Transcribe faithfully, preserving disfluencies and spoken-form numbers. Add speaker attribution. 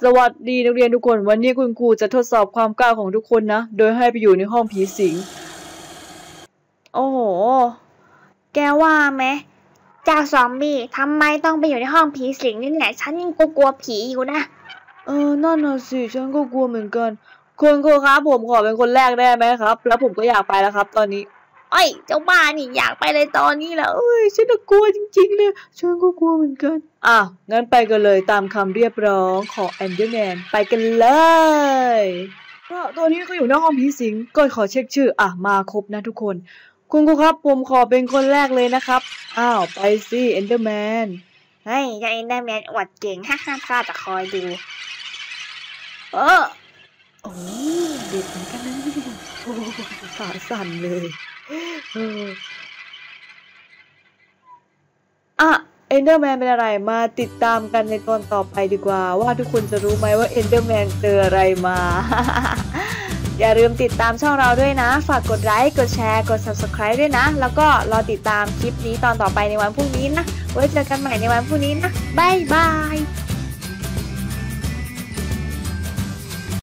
Speaker 1: สวัสดีนักเรียนทุกคนวันนี้คุณครูจะทดสอบความกล้าของทุกคนนะโดยให้ไปอยู่ในห้องผีสิง
Speaker 2: โอ้โหแกว่าไหมเจ้าซอมบี้ทำไมต้องไปอยู่ในห้องผีสิงนี่แหละฉันยังกลัวผีอยู่นะ
Speaker 1: เออนั่นน่ะสิฉันก็กลัวเหมือนกันคุณครูครับผมขอเป็นคนแรกได้ไหมครับแล้วผมก็อยากไปแล้วครับตอนนี้
Speaker 2: เอ้ยเจ้าบ้านี่อยากไปเลยตอนนี้แล้ว
Speaker 1: เอ้ยฉันกลัวจริงๆเลยฉันก็กลัวเหมือนกันอ่ะงั้นไปกันเลยตามคำเรียกร้องของแอนเดอร์แมนไปกันเลยก็ตอนนี้ก็อยู่ในห้องผีสิงก็ขอเช็คชื่ออ่ะมาครบนะทุกคนคุณครูครับผมขอเป็นคนแรกเลยนะครับอ้าวไปสิเอนเดอร์แมน
Speaker 2: เฮ้ยเจ้าเอนเดอร์แมนอวดเก่งฮ่าฮ่าข้าจะคอยดูเออ
Speaker 1: โอ้เด็กเหมือนกันนะโอ้ขาสั่นเลยเอออ่ะเอนเดอร์แมนเป็นอะไรมาติดตามกันในตอนต่อไปดีกว่าว่าทุกคนจะรู้ไหมว่าเอนเดอร์แมนเจออะไรมา
Speaker 2: อย่าลืมติดตามช่องเราด้วยนะฝากกดไลค์กดแชร์กด ซับสไครบ์ ด้วยนะแล้วก็รอติดตามคลิปนี้ตอนต่อไปในวันพรุ่งนี้นะไว้เจอกันใหม่ในวันพรุ่งนี้นะบ๊ายบาย